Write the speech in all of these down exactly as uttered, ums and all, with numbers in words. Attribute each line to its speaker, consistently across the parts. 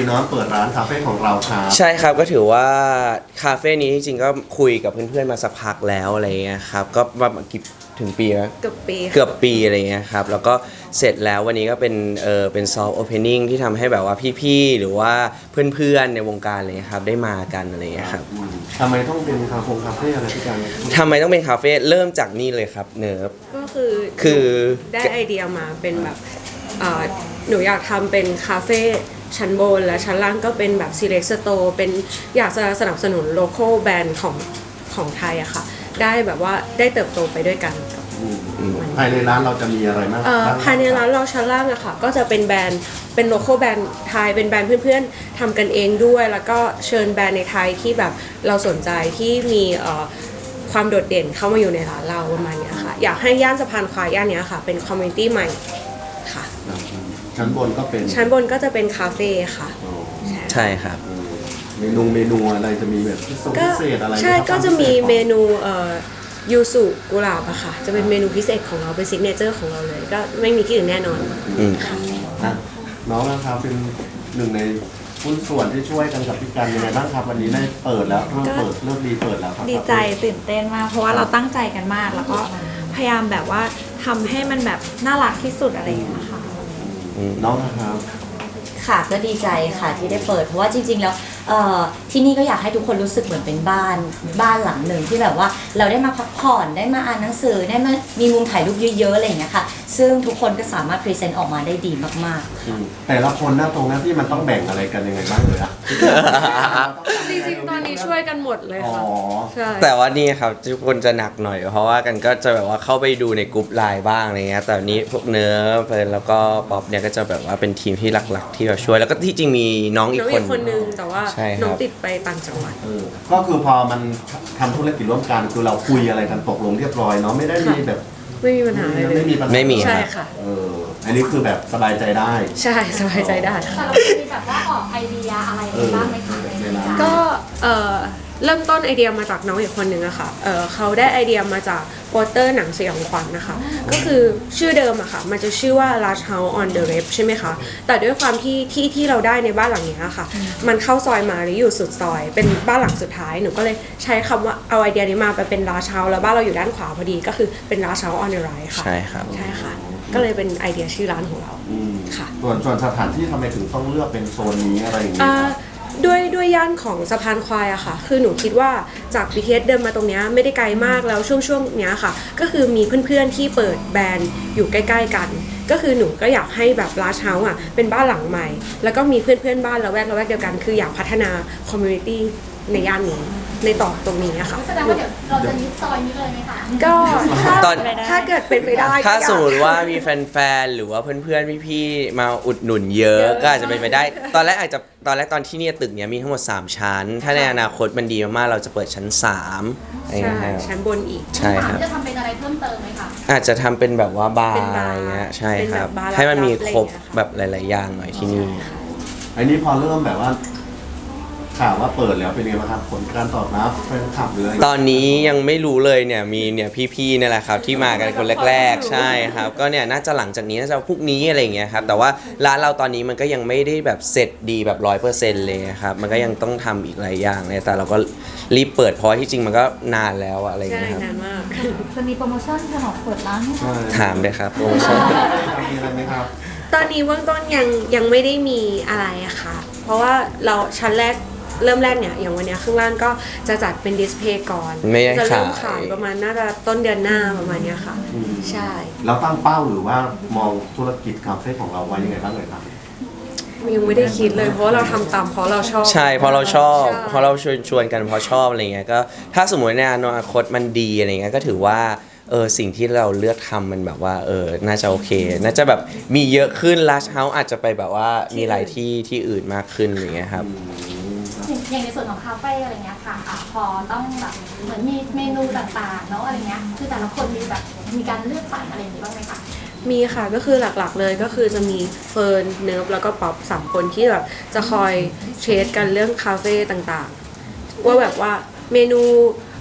Speaker 1: เนาะเปิดร้านคาเฟ่ของเราครับ
Speaker 2: ใช่ครับก็ถือว่าคาเฟ่นี้จริงๆก็คุยกับเพื่อนๆมาสักพักแล้วอะไรเงี้ยครับก็ประมาณกี่ถึงปีแล้ว
Speaker 3: เกือบปี
Speaker 2: เกือบปีอะไรเงี้ยครับแล้วก็เสร็จแล้ววันนี้ก็เป็นเออเป็นซอฟต์โอเพนนิ่งที่ทำให้แบบว่าพี่ๆหรือว่าเพื่อนๆในวงการอะไรเงี้ยครับได้มากันอะไรเงี้ยครับ
Speaker 1: ทำไมต้องเป็นคาเฟ่คาเฟ่อะไรพี่กัน
Speaker 2: ทำไมต้องเป็นคาเฟ่เริ่มจากนี่เลยครับเนิร์ฟ
Speaker 3: ก็คือ
Speaker 2: คือ
Speaker 3: ได้ไอเดียมาเป็นแบบหนูอยากทำเป็นคาเฟ่ชั้นบนและชั้นล่างก็เป็นแบบ select store เป็นอยากจะสนับสนุน local brand ของของไทยอะค่ะได้แบบว่าได้เติบโตไปด้วยกัน
Speaker 1: ภายในร้านเราจะมีอะไรบ้าง
Speaker 3: ภายในร้านเราชั้นล่างอะค่ะก็จะเป็นแบรนด์เป็น local แบรนด์ไทยเป็นแบรนด์เพื่อนๆทำกันเองด้วยแล้วก็เชิญแบรนด์ในไทยที่แบบเราสนใจที่มีความโดดเด่นเข้ามาอยู่ในร้านเราประมาณนี้ค่ะอยากให้ย่านสะพานควายย่านนี้ค่ะเป็นคอมมูนิตี้ใหม่ค่ะ
Speaker 1: ชั้นบนก็เป็น
Speaker 3: ชั้นบนก็จะเป็นคาเฟ่ค่ะ
Speaker 2: ใช่ครับ
Speaker 1: เมนูเมนูอะไรจะมีแบบพิเศษอะไร
Speaker 3: ใช่ก็จะมีเมนูยูสุกุหลาบอะค่ะจะเป็นเมนูพิเศษของเราเป็นซิกเนเจอร์ของเราเลยก็ไม่มีที่อื่นแน่นอน
Speaker 1: ค่ะน้องนะครับเป็นหนึ่งในหุ้นส่วนที่ช่วยกันกับพี่กันยังไงบ้างครับวันนี้ได้เปิดแล้วเริ่มเปิดเริ่มดีเปิดแล้วครับ
Speaker 4: ดีใจตื่นเต้นมากเพราะว่าเราตั้งใจกันมากแล้วก็พยายามแบบว่าทำให้มันแบบน่ารักที่สุดอะไรอย่างเงี้ยค่ะ
Speaker 1: น้องนะครับ
Speaker 5: ค่ะก็ดีใจค่ะที่ได้เปิดเพราะว่าจริงๆแล้วที่นี่ก็อยากให้ทุกคนรู้สึกเหมือนเป็นบ้านบ้านหลังหนึ่งที่แบบว่าเราได้มาพักผ่อนได้มาอ่านหนังสือได้มามีมุมถ่ายรูปเยอะๆอะไรอย่างเงี้ยค่ะซึ่งทุกคนก็สามารถพรีเซนต์ออกมาได้ดีมาก
Speaker 1: ๆแต่ละคนหน้าตรงหน้าที่มันต้องแบ่งอะไรกันยังไงบ้างเลยอะ
Speaker 3: จริงๆตอนนี้ช่วยกันหมดเลยค่ะ
Speaker 2: ใช่แต่ว่านี่ครับทุกคนจะหนักหน่อยเพราะว่ากันก็จะแบบว่าเข้าไปดูในกลุ่มไลน์บ้างอะไรเงี้ยแต่นี้พวกเนื้อเฟิร์นแล้วก็ป๊อปเนี่ยก็จะแบบว่าเป็นทีมที่หลักๆที่แบบช่วยแล้วก็ที่จริงมีน้องอีกคน
Speaker 3: คนนึงแต่ว่าน้องติดไปต่างจังหวัด
Speaker 1: ก็คือพอมันทำธุรกิจร่วมกันคือเราคุยอะไรกันตกลงเรียบร้อยเนาะไม่ได้มีแบบ
Speaker 3: ไม่มีปัญหาอะไรเลย
Speaker 1: ไม่มีปัญหา
Speaker 2: ไม่มี
Speaker 3: ใช่ค่ะ
Speaker 1: เอออันนี้คือแบบสบายใจได้
Speaker 3: ใช่สบายใจได้
Speaker 6: แต่เรามีแบบว่าออกไอเดียอะไรบ้างไหมคะ
Speaker 3: ก็เออเริ่มต้นไอเดียมาจากน้องอีกคนนึงอะค่ะเออเขาได้ไอเดียมาจากโปสเตอร์หนังสยองขวัญนะคะก็คือชื่อเดิมอะค่ะมันจะชื่อว่า Last House on the Left ใช่ไหมคะแต่ด้วยความที่ที่ที่เราได้ในบ้านหลังนี้ค่ะมันเข้าซอยมาหรืออยู่สุดซอยเป็นบ้านหลังสุดท้ายหนูก็เลยใช้คำว่าเอาไอเดียนี้มาเป็น Last House แล้วบ้านเราอยู่ด้านขวาพอดีก็คือเป็น Last House on the Right ค่ะ
Speaker 2: ใช่ครับ
Speaker 3: ใช่ค่ะก็เลยเป็นไอเดียชื่อร้านของเราค่ะ
Speaker 1: ส่วนส่วนสถานที่ทำไมถึงต้องเลือกเป็นโซนนี้อะไรอย่างเงี้ย
Speaker 3: ด้วยด้วยย่านของสะพานควายอะค่ะคือหนูคิดว่าจาก บี ที เอส เดินมาตรงนี้ไม่ได้ไกลมากแล้วช่วงช่วงเนี้ยค่ะก็คือมีเพื่อนๆที่เปิดแบรนด์อยู่ใกล้ๆกันก็คือหนูก็อยากให้แบบลาชเฮาส์อะเป็นบ้านหลังใหม่แล้วก็มีเพื่อนๆบ้านละแวกละแวกเดียวกันคืออยากพัฒนาคอมมูนิตี้ในย่านนี้ในต่อตรงนี้อะค่ะ
Speaker 6: แสดงว่าเดี๋ยวเราจะยึดซอยนี้เลยไหมคะ
Speaker 3: ก็ถ้าถ้าเกิดเป็นไปได้
Speaker 2: ถ้าสมมติว่ามีแฟนๆหรือว่าเพื่อนๆพี่ๆมาอุดหนุนเยอะก็อาจจะเป็นไปได้ตอนแรกอาจจะตอนแรกตอนที่นี่ตึกเนี้ยมีทั้งหมดสามชั้นถ้าในอนาคตมันดีมากๆเราจะเปิดชั้นสาม
Speaker 3: ใช่ชั้นบนอีก
Speaker 2: ใช่ครับ
Speaker 6: จะทำเป็นอะไรเพิ่มเติมไหมคะ
Speaker 2: อาจจะทำเป็นแบบว่าบาร์อะไรเงี้ยใช่ครับให้มันมีครบแบบหลายๆอย่างหน่อยที่นี่
Speaker 1: อันนี้พอเริ่มแบบว่าข่าวว่าเปิดแล้วเป็นไงบ้างครับผลการตอบรับแฟนคลับหรืออะไร
Speaker 2: ตอนนี้ยังไม่รู้เลยเนี่ยมีเนี่ยพี่ๆนี่แหละครับที่มากันคนแรกๆใช่ครับก็เนี่ยน่าจะหลังจากนี้น่าจะพรุ่งนี้อะไรเงี้ยครับแต่ว่าร้านเราตอนนี้มันก็ยังไม่ได้แบบเสร็จดีแบบร้อยเปอร์เซ็นต์เลยครับมันก็ยังต้องทำอีกหลายอย่างเลยแต่เราก็รีบเปิดเพราะที่จริงมันก็นานแล้วอะไรเงี้ยครับ
Speaker 3: นานมาก
Speaker 6: จะมีโปรโมชั่นฉลองเปิดร้านไหมคะ
Speaker 2: ถามเลยครับโปรโมชั่น
Speaker 1: มีอะไรไหมครับ
Speaker 3: ตอนนี้เบื้องต้นยังยังไม่ได้มีอะไรอะค่ะเพราะว่าเราชั้นแรกเริ่มแรกเนี่ยอย่างวันนี้ข้างล่างก็จะจัดเป็นดิสเพย์ก่อนจะเริ่มขายประมาณน่าจะต้นเดือนหน้าประมาณนี้ค่ะใช่
Speaker 1: เราตั้งเป้าหรือว่ามองธุรกิจคาเฟ่ของเราไว้ยังไงบ้างเลยครับ
Speaker 3: ยังไม่ได้คิดเลยเพราะเราทำตามเพราะเราชอบ
Speaker 2: ใช่เพราะเราชอบเพราะเราชวนชวนกันเพราะชอบอะไรเงี้ยก็ถ้าสมมติในอนาคตมันดีอะไรเงี้ยก็ถือว่าเออสิ่งที่เราเลือกทำมันแบบว่าเออน่าจะโอเคน่าจะแบบมีเยอะขึ้นลัชเฮาส์อาจจะไปแบบว่ามีหลายที่ที่อื่นมากขึ้นอย่างเงี้ยครับ
Speaker 6: อย่างในส่วนของคาเฟ่อะไรเงี้ยค่ะพอต้องแบบเหมือนมีเมนูต่างๆเนาะอะไรเงี้ยคือแต่ละคนมีแบบมีการเลือกสรรอะไรอย่างนี้บ้างไหมคะ
Speaker 3: มีค่ะก็คือหลักๆเลยก็คือจะมีเฟิร์นเนิร์ฟแล้วก็ป๊อปสามคนที่แบบจะคอยเทรดกันเรื่องคาเฟ่ต่างๆว่าแบบว่าเมนู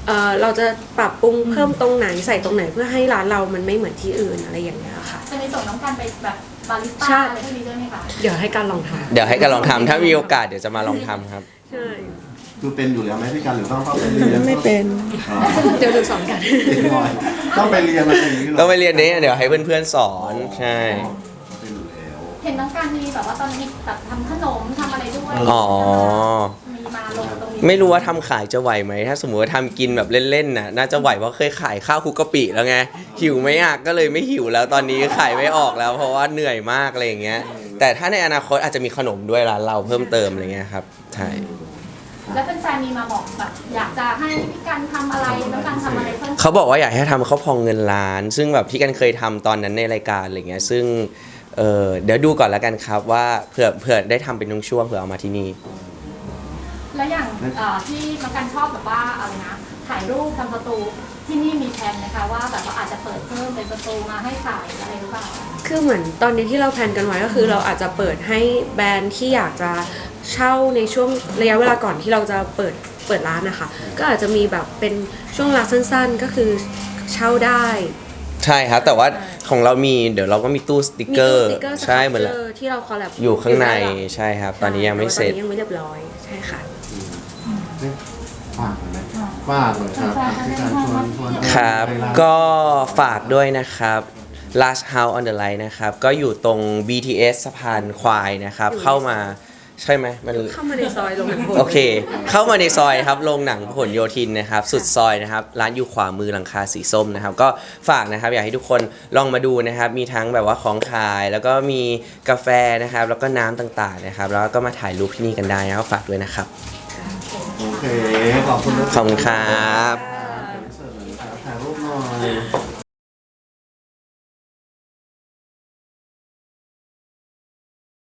Speaker 3: เอ่อเราจะปรับปรุงเพิ่มตรงไหนใส่ตรงไหนเพื่อให้ร้านเรามันไม่เหมือนที่อื่นอะไรอย่างเงี้ยค่ะ
Speaker 6: จะมีส่งน้องกันไปแบบบาริส
Speaker 3: ใช่
Speaker 6: ต้าอะไรพวกนี้ด้วยไหมคะ
Speaker 3: เดี๋ยวให้การลองทำ
Speaker 2: เดี๋ยวให้กันลองทำถ้ามีโอกาสเดี๋ยวจะมาลองทำครับ
Speaker 3: ใช่
Speaker 1: คือเป็นอยู่แล้วไหมพี่กันหรือต้องต้องไปเรียน
Speaker 3: ไม่เป็น
Speaker 1: อ๋อ
Speaker 3: เดี๋ยวดูสอนกัน
Speaker 1: ต้องไปเรียนอะไรอย่างนี้หร
Speaker 2: ต้องไปเรียนนี้เดี๋ยวให้เพื่อนๆสอนใช่
Speaker 1: เป็นอยู่แล้ว
Speaker 6: เห็นน้องกันมีแบบว่าตอนนี้แบบทำขนมทำอะไรด้วย
Speaker 2: อ๋อ
Speaker 6: มีมาลงตรงนี้
Speaker 2: ไม่รู้ว่าทำขายจะไหวไหมถ้าสมมติว่าทำกินแบบเล่นๆน่ะน่าจะไหวเพราะเคยขายข้าวคลุกกะปิแล้วไงหิวไหมอ่ะก็เลยไม่หิวแล้วตอนนี้ขายไม่ออกแล้ว เพราะว่าเหนื่อยมากอะไรอย่างเงี้ยแต่ถ้าในอนาคตอาจจะมีขนมด้วยร้านเราเพิ่มเติมอะไรเงี้ยครับใช่
Speaker 6: แล้วแฟนๆมีมาบอกแบบอยากจะให้พี่กันทำอะไรน้องกันทำอะไรเพิ่ม
Speaker 2: เขาบอกว่าอยากให้ทำข้าวพองเงินล้าน ซึ่งแบบที่กันเคยทำตอนนั้นในรายการอะไรเงี้ยซึ่งเออเดี๋ยวดูก่อนแล้วกันครับว่าเผื่อเผื่อได้ทำเป็นช่วงๆเผื่อเอามาที่นี่
Speaker 6: แล้วอย่างเอ่อที่น้องกันชอบแบบว่าอะไรนะถ่ายรูปทำสตูที่นี่มีแผนไหมคะว่าแบบว่าอาจจะเปิดเพิ่มเป็นสตูมาให้ถ่ายอะไรหรือเปล่า
Speaker 3: คือเหมือนตอนนี้ที่เราแพลนกันไว้ก็คือเราอาจจะเปิดให้แบรนด์ที่อยากจะเช่าในช่วงระยะเวลาก่อนที่เราจะเปิดเปิดร้านนะคะ ก็อาจจะมีแบบเป็นช่วงเวลาสั้นๆก็คือเช่าได้
Speaker 2: ใช่ครับแต่ว่าของเรามีเดี๋ยวเราก็มีตู้สติก
Speaker 3: มี
Speaker 2: เกอ
Speaker 3: ตู้
Speaker 2: ร์
Speaker 3: สติกเกอร์
Speaker 2: ใช่เหมือน
Speaker 3: สติกเกอร์ที่เราคอลแลบ
Speaker 2: อยู่ข้างใน
Speaker 3: อยู่แล้ว
Speaker 2: ใช่ครับ ตอนนี้ยังไม่เสร็จ
Speaker 3: ตอนนี้ยังไม่เรียบร้อยใช่ค่ะ
Speaker 1: ฝากหน่อยไหมฝากหน่อยครับพี่กันชวนชวน
Speaker 2: ครับ
Speaker 1: ไปาน
Speaker 2: ก็ฝากด้วยนะครับ Last House on the Line นะครับ ก็อยู่ตรง บี ที เอส สะพานควายนะครับ
Speaker 3: อยู่ใน
Speaker 2: เข้ามาใช่ไหมมัน
Speaker 3: เข้ามาในซอยลงหนังโหด
Speaker 2: โอเค เข้ามาในซอยครับโรงหนังพหลโยธินนะครับ สุดซอยนะครับ ร้านอยู่ขวามือหลังคาสีส้มนะครับ ก็ฝากนะครับ อยากให้ทุกคนลองมาดูนะครับ มีทั้งแบบว่าของขาย แล้วก็มีกาแฟนะครับ แล้วก็น้ำต่างๆนะครับ แล้วก็มาถ่ายรูปที่นี่กันได้นะครับฝากด้วยนะครับ
Speaker 1: โอเค ขอบคุณนะ
Speaker 2: ขอบคุณครับ
Speaker 1: ถ่ายรูปหน่อย